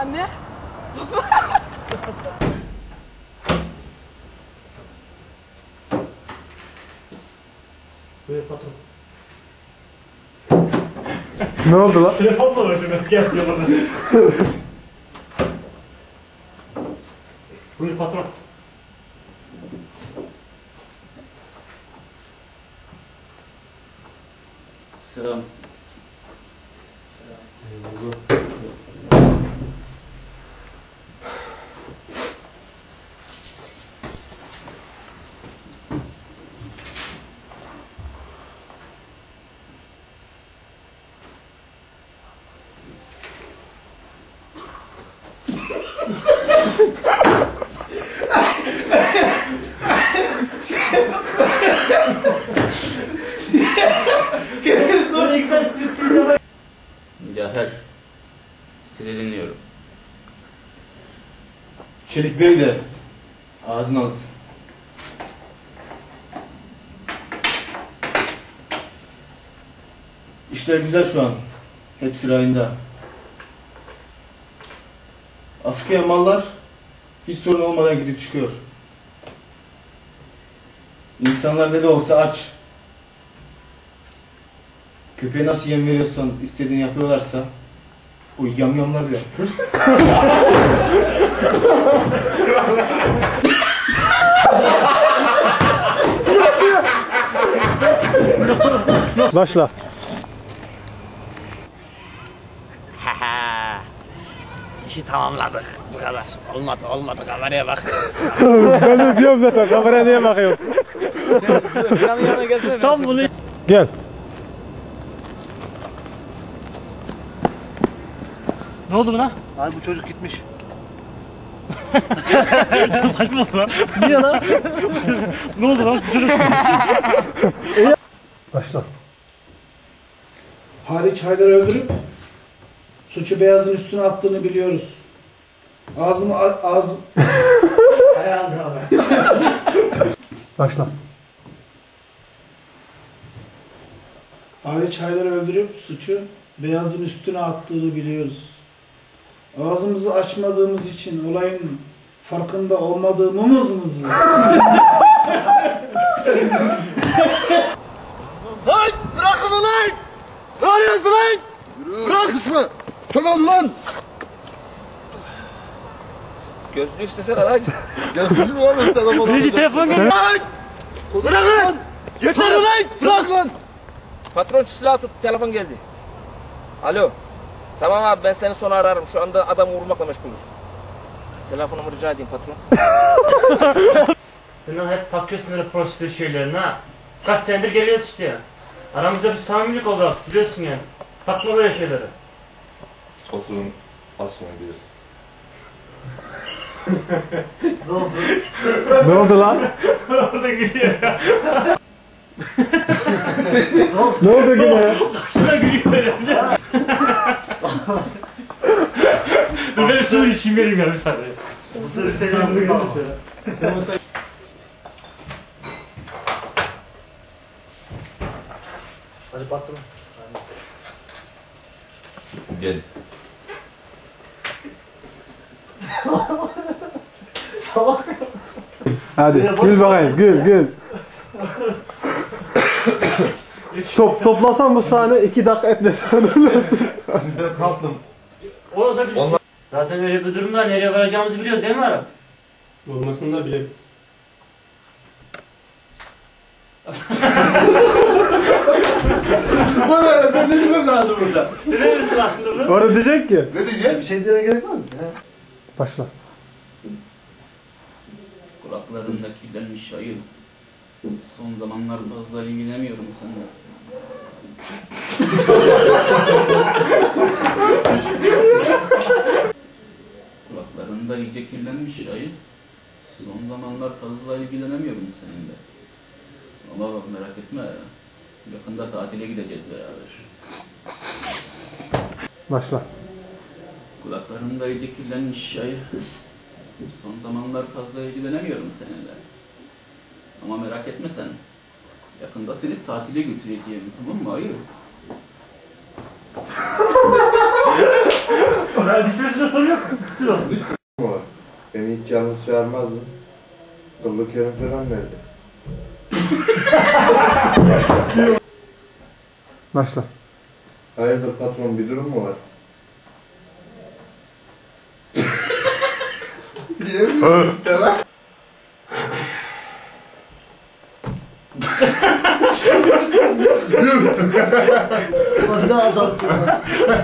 Ne? Buyur patron. Ne oldu lan? Telefonla uğraşıyorum. Gel diyor bana. Buyur patron. Selam. Cafer, sizi dinliyorum. Çelik Bey de ağzını alsın. İşler güzel şu an. Hepsi rayında. Afrika'ya mallar hiç sorun olmadan gidip çıkıyor. İnsanlar ne de olsa aç. Köpeğe nasıl yem veriyorsan, istediğini yapıyorlarsa o yamyamlar da yapıyor. Başla. İşi tamamladık. Bu kadar. Olmadı. Kameraya bak. Ben de diyorum zaten. Kameraya niye bakıyorsun? Sinan'ın yanına gelsene. Tam bunu... Gel. Ne oldu lan? Abi bu çocuk gitmiş. Saçma lan. Niye lan? Ne oldu lan? Çocuk Başla. Haliç Haydar'ı öldürüp suçu Beyaz'ın üstüne attığını biliyoruz. Başla. Haliç Haydar'ı öldürüp suçu Beyaz'ın üstüne attığını biliyoruz. Ağzımızı açmadığımız için olayın farkında olmadığımız mı? Lan bırakın ulan! Ne arıyorsun lan? Bırak düşme! Çok oldu lan! Gözünü istesene lan. Gelsin oğlum telefonu. Birinci telefon gel. Lan! Bırakın! Yeter ulan! Bırak lan! Patron şu silahı tut. Telefon geldi. Alo. Tamam abi ben seni sonra ararım. Şu anda adamı vurmakla meşgulüz. Telefonumu rica edeyim patron. Sen hep takıyorsun öyle prosedür şeylerini ha. Kaç senedir geliyoruz işte ya. Aramızda bir samimilik oldu artık biliyorsun yani. Takma böyle şeyleri. Oturun, az sonra geliriz. Ne oldu lan? Orada gülüyor ya. Ne oldu yine ya? Kaçına gülüyor ya. Dur ben şunu içeyim vereyim ya bir saniye. Bu sefer seni yalnız kalma. Hadi patron. Gel. Hadi gül bakayım gül. Toplasan bu sahne 2 dakika etmesen ölürsün. Ben kalktım. Orada biz... Zaten öyle bir durumda nereye varacağımızı biliyoruz değil mi Arap? Olmasını da biliriz. Bana ben de bilmem lazım burada. Ne misin aslında bu? Orada diyecek ki. Ne diyeceğim? Bir şey demeye gerek var mı? Başla. Kulaklarında kirlenmiş ayı. Son zamanlar fazla ilgilenemiyorum seninle. Kulaklarında iyice kirlenmiş ayı. Son zamanlar fazla ilgilenemiyorum seninle. Ama bak merak etme. Yakında tatile gideceğiz beraber. Başla. Kulaklarında iyice kirlenmiş ayı. Son zamanlar fazla ilgilenemiyorum seninle. Ama merak etme sen. Yakında seni tatile götüreceğim, tamam mı ayı? Hiçbirisinde sorun yok. Tutuyor. Var. Beni hiç yalnız çağırmazdın. Kıllı Kerim falan nerede? Başla. Hayırdır patron, bir durum mu var? Diyemiyorum işte lan. Ne adamsın lan.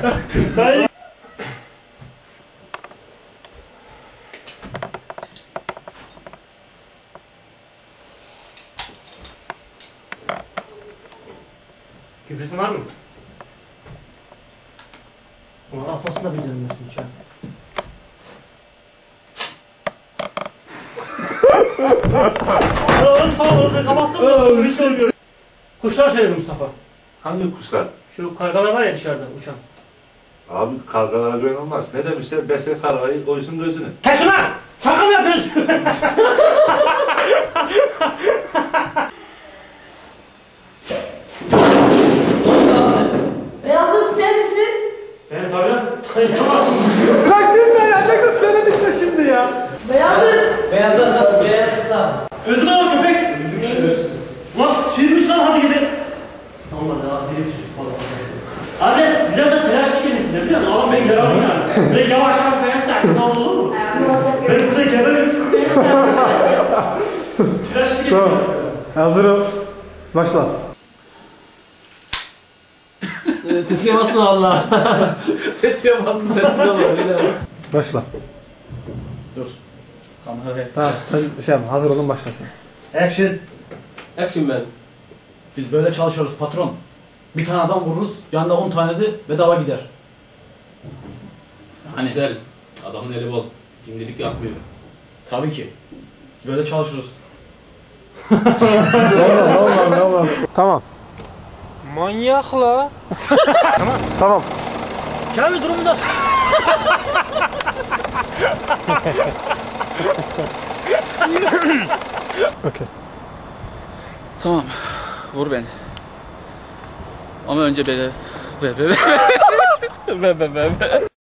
Kübrüsün var mı? Ulan atmasını da beceremiyorsun hiç ya. Oğlum tamam orası kapattın mı? Bir şey olmuyor. Kuşlar söyledi Mustafa. Hangi kuşlar? Şu kargalar var ya dışarıda uçan. Abi kargalara göğün olmaz. Ne demişler? Besle kargayı, koysun gözünü. Kes ulan! Şaka mı yapıyorsun? Beyazıt sen misin? Ben tabii lan. Yapamazsın. Kalktın ben ya. Ne kadar söyledik de şimdi ya. Beyazıt! Beyazıt lan. Öldü lan o köpek. Lan sıyırmış lan hadi gidelim. Olmadı ya dilim çocuk falan. Abi biraz da telaşlı kendisi biliyor musun? Adam beni yaralım yani. Böyle yavaş yavaş kayarsa ne olur mu? Ne olacak Ben görürüz. size geberim. Telaşlı geliyor. Tamam. Hazırım. Başla. Tetiğe basma valla. Tetiğe basma. Başla. Dur. Kamera Tamam. Sen şey yapma. Hazır olun başlasın. Action. Action man. Biz böyle çalışıyoruz patron. Bir tane adam vururuz, yanında 10 tanesi bedava gider. Hani Güzel. Adamın eli bol. Şimdilik yapmıyor. tabii ki. Biz böyle çalışırız. Tamam. Tamam. Manyak la. Tamam. Kamil durumu nasıl? Okey. Tamam. Vur beni. Ama önce böyle...